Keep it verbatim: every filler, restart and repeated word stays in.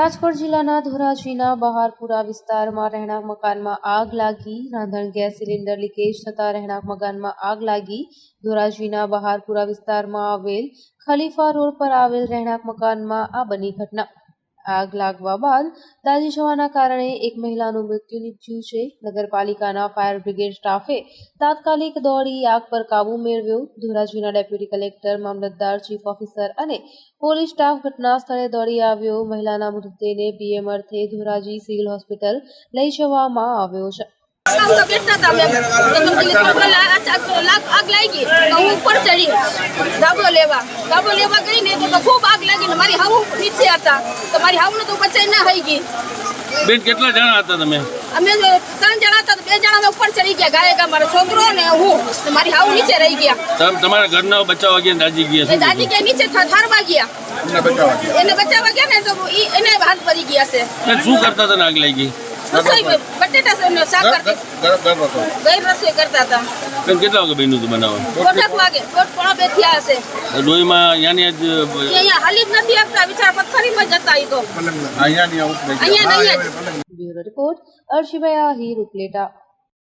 રાજકોટ જિલ્લાના ધોરાજીના બહારપુરા વિસ્તારમાં રહેણાંક મકાનમાં આગ લાગી. રાંધણ ગેસ સિલિન્ડર લીકેજ થતાં રહેણાંક મકાનમાં આગ લાગી. ધોરાજીના બહારપુરા વિસ્તારમાં આવેલ ખલીફા રોડ પર આવેલ રહેણાંક મકાનમાં આ બની ઘટના. આગ લાગવા બાદ દાઝી જવાના કારણે એક મહિલાનું મૃત્યુ નીપજ્યું છે. નગરપાલિકાના ફાયર બ્રિગેડ સ્ટાફે તાત્કાલિક દોડી આગ પર કાબુ મેળવ્યો. ધોરાજીના ડેપ્યુટી કલેક્ટર, મામલતદાર, ચીફ ઓફિસર અને પોલીસ સ્ટાફ ઘટના સ્થળે દોડી આવ્યો. મહિલાના મૃતદેહને પીએમ અર્થે ધોરાજી સિવિલ હોસ્પિટલ લઈ જવામાં આવ્યો છે. आग लगी तो ऊपर चढ़ी धाबो लेवा धाबो लेवा गई ने तो खूब आग लगी मारी हाउ नीचे आता तो मारी हाउ ने तो बचाई ना हई गई। बेन કેટલા જણા હતા તમે? અમે ત્રણ જણા હતા, બે જણા મે ઉપર ચડી ગયા, ગાયે ગા મારો છોકરો ને હું, તો મારી હાउ નીચે રહી ગયા. તમ તમારા ઘરના બચાવવા ગયા દાજી ગયા છે? દાજી કે નીચે થારવા ગયા, એને બચાવવા ગયા એને બચાવવા ગયા ને તો એને હાથ પડી ગયા છે. શું કરતા હતા આગ લાગી? રસોઈ બટેટા શાક કરતા, ગઈ રસોઈ કરતા હતા. કેટલા વાગે બન્યું હતું બનાવવાનું? દોઢ વાગે, દોઢ પોણા બે થયા હશે. ડોહીમાં યાની જ અહીંયા હાલી જ નથી આપતા, વિચાર પથ્થરીમાં જતા ઈ તો અહીંયા નહીં બ્યુરો રિપોર્ટ, અર્શિભાઈ આહિર, ઉપલેટા.